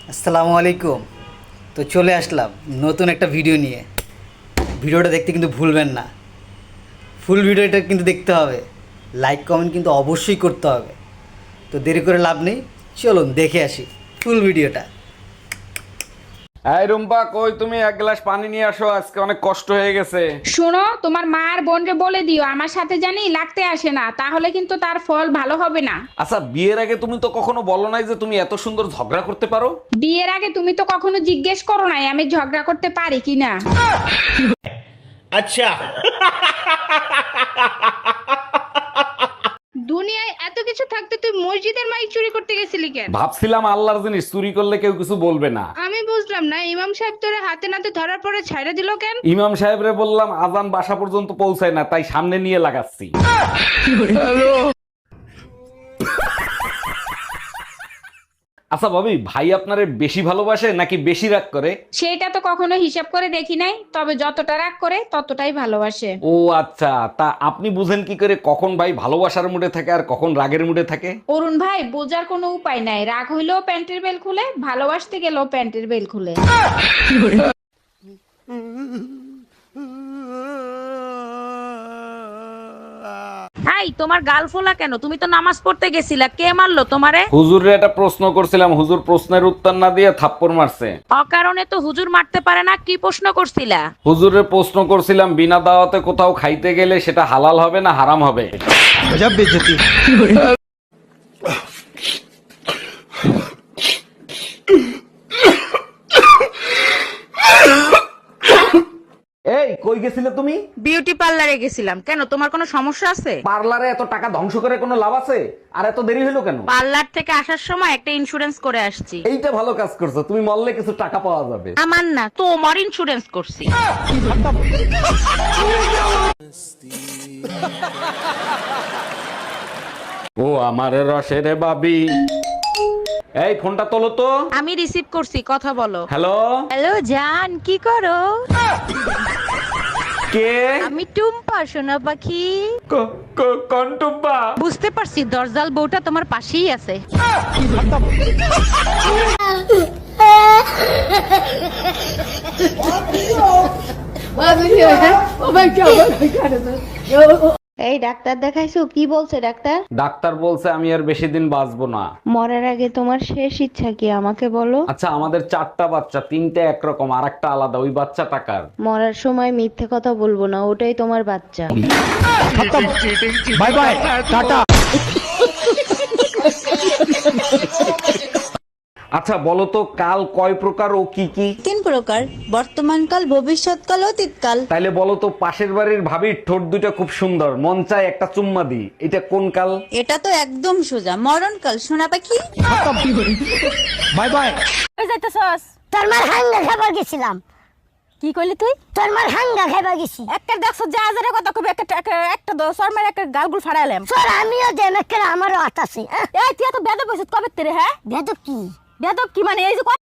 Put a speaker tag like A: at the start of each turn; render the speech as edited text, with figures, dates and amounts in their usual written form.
A: আসসালামু আলাইকুম। তো চলে আসলাম নতুন একটা ভিডিও নিয়ে। ভিডিওটা দেখতে কিন্তু ভুলবেন না, ফুল ভিডিওটা কিন্তু দেখতে হবে, লাইক কমেন্ট কিন্তু অবশ্যই করতে হবে। তো দেরি করে লাভ নেই, চলুন দেখে আসি ফুল ভিডিওটা।
B: এই রুম্পা, কই তুমি? এক গ্লাস পানি নিয়ে আসো, আজকে অনেক কষ্ট হয়ে গেছে।
C: শোনো, তোমার মা আর বোনকে বলে দিও আমার সাথে জানি লাগতে আসে না, তাহলে কিন্তু তার ফল ভালো হবে না।
B: আচ্ছা, বিয়ের আগে তুমি তো কখনো বলো নাই যে তুমি এত সুন্দর ঝগড়া করতে পারো।
C: বিয়ের আগে তুমি তো কখনো জিজ্ঞেস করো নাই আমি ঝগড়া করতে পারি কিনা।
D: अच्छा।
E: দুনিয়ায় এত কিছু থাকতে তুই মসজিদের মাইক চুরি করতে গেছিলি কেন?
B: ভাবছিলাম আল্লাহর জিনিস চুরি করলে কেউ কিছু বলবে না।
E: আমি বুঝলাম না, ইমাম সাহেব তোরে হাতে নাতে ধরার পরে ছাইড়া দিল কেন?
B: ইমাম সাহেবরে বললাম আজান বাসা পর্যন্ত পৌঁছায় না, তাই সামনে নিয়ে লাগাচ্ছি। আচ্ছা ভাবি, ভাই আপনারে বেশি ভালোবাসে নাকি বেশি রাগ করে?
C: সেটা তো কখনো হিসাব করে দেখি নাই, তবে যতটা রাগ করে ততটাই ভালোবাসে।
B: ও আচ্ছা, তা আপনি বুঝেন কি করে কখন ভাই ভালোবাসার মুডে থাকে আর কখন রাগের মুডে থাকে?
C: অরুণ ভাই, বোঝার কোনো উপায় নাই, রাগ হইলেও প্যান্টের বেল খুলে, ভালোবাসতে গেলেও প্যান্টের বেল খুলে।
F: এই তোমার গাল ফোলা কেন? তুমি তো নামাজ পড়তে গেছিলা, কে মারলো তোমারে?
B: হুজুরে একটা প্রশ্ন করছিলাম, হুজুর প্রশ্নের উত্তর না দিয়ে থাপ্পড় মারছে।
F: অকারণে তো হুজুর মারতে পারে না, কি প্রশ্ন করছিলা?
B: হুজুরে প্রশ্ন করছিলাম, বিনা দাওয়াতে কোথাও খাইতে গেলে সেটা হালাল হবে না হারাম হবে? এই কই গেছিলে তুমি?
F: বিউটি পার্লারে গেছিলাম। কেন, তোমার কোনো সমস্যা আছে?
B: পার্লারে এত টাকা ধ্বংস করে কোনো লাভ আছে? আর এত দেরি হলো কেন?
F: পার্লার থেকে আসার সময় একটা ইন্স্যুরেন্স করে আসছি।
B: এইটা ভালো কাজ করছো, তুমি মরলে কিছু টাকা পাওয়া যাবে।
F: আমার না, তোমার ইন্স্যুরেন্স করছি।
B: ও আমার রসের বাবি, এই ফোনটা তোলো তো।
F: আমি রিসিভ করছি, কথা বলো।
B: হ্যালো,
F: হ্যালো জান, কি করো?
B: কে?
F: আমি টুম্পা, সোনা পাখি।
B: কন্টুব্বা।
F: বুঝতে পারছি, দরজাল বউটা তোমার পাশেই আছে।
G: এই ডাক্তার দেখাইছো? কি বলছে ডাক্তার?
B: ডাক্তার বলছে আমি আর বেশি দিন বাঁচবো না।
G: মরার আগে তোমার শেষ ইচ্ছা কি আমাকে বলো?
B: আচ্ছা, আমাদের 4টা বাচ্চা, 3টে একরকম আর একটা আলাদা, ওই বাচ্চা টাকার।
G: মরার সময় মিথ্যে কথা বলবো না, ওটাই তোমার বাচ্চা।
D: Bye bye tata.
B: আচ্ছা বলো তো, কাল কয় প্রকার ও কি কি?
H: 3 প্রকার, বর্তমানকাল, ভবিষ্যৎকাল, অতীতকাল।
B: তাইলে বলো তো, পাশের বাড়ির ভাবির ঠোঁট দুটো খুব সুন্দর, মন চায় একটা চুম্মা দি, এটা কোন কাল?
H: এটা তো একদম সোজা, মরণকাল, সোনা পাখি।
D: Bye bye.
I: তোর মার হাঙ্গা খাবার গেছিলাম।
F: কি কইলি তুই?
I: তোর মার হাঙ্গা খাবার গেছি।
F: একটা দেখছো যা হাজারে কথা কবি, একটা দশর মার একটা গালগুল ফাড়াইলাম।
I: তোর আমিও দেমেকের আমারও আট আছে।
F: এই তুই এত বেদব হইছিস কবে তেরে? হ্যাঁ
I: বেদব কি?
F: বেদব কি মানে? এই যে